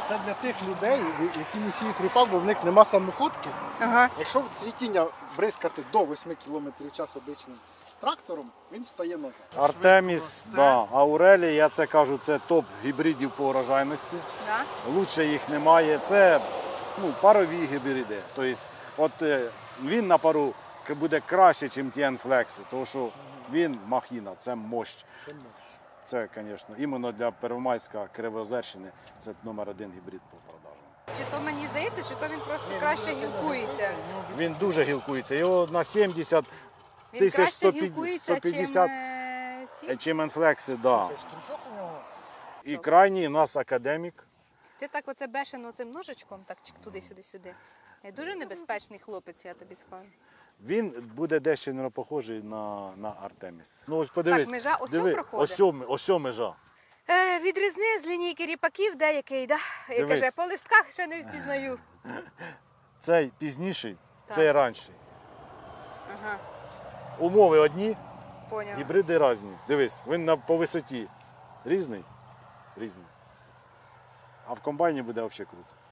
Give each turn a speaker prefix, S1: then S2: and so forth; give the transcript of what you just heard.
S1: Це для тих людей, які не сіють ріпак, бо в них нема самоходки.
S2: Ага.
S1: Якщо в цвітіння бризкати до 8 км в час обичним трактором, він стає назад.
S3: Артеміс, да, Аурелі, я це кажу, це топ гібридів по урожайності.
S2: Да?
S3: Лучше їх немає. Це парові гібриди. Тобто, він на пару буде краще, ніж ті Enflex, тому що він махіна, це мощь. Це, звісно, іменно для Первомайська Кривоозерщини це номер 1 гібрид по продажам.
S2: Чи то мені здається, чи то він просто краще гілкується?
S3: Він дуже гілкується. Його на 70
S2: Він
S3: тисяч
S2: краще
S3: 150,
S2: гілкується,
S3: 150
S2: чим ці?
S3: чим Enflex, да.
S1: Стручок у нього.
S3: І крайній у нас академік.
S2: Ти так оце бешено цим ножичком, так туди-сюди-сюди. Дуже небезпечний хлопець, я тобі скажу.
S3: Він буде дещо не похожий на Артеміс. Ну ось подивись.
S2: Так, межа ось
S3: диви,
S2: проходить?
S3: ось межа.
S2: Відрізни з лінійки ріпаків деякий, да? І
S3: Дивись.
S2: каже, по листках ще не впізнаю.
S3: Цей пізніший,
S2: Так.
S3: цей ранший.
S2: Ага,
S3: Умови одні,
S2: поняла.
S3: гібриди різні. Дивись, він по висоті різний. Різний. А в комбайні буде взагалі круто.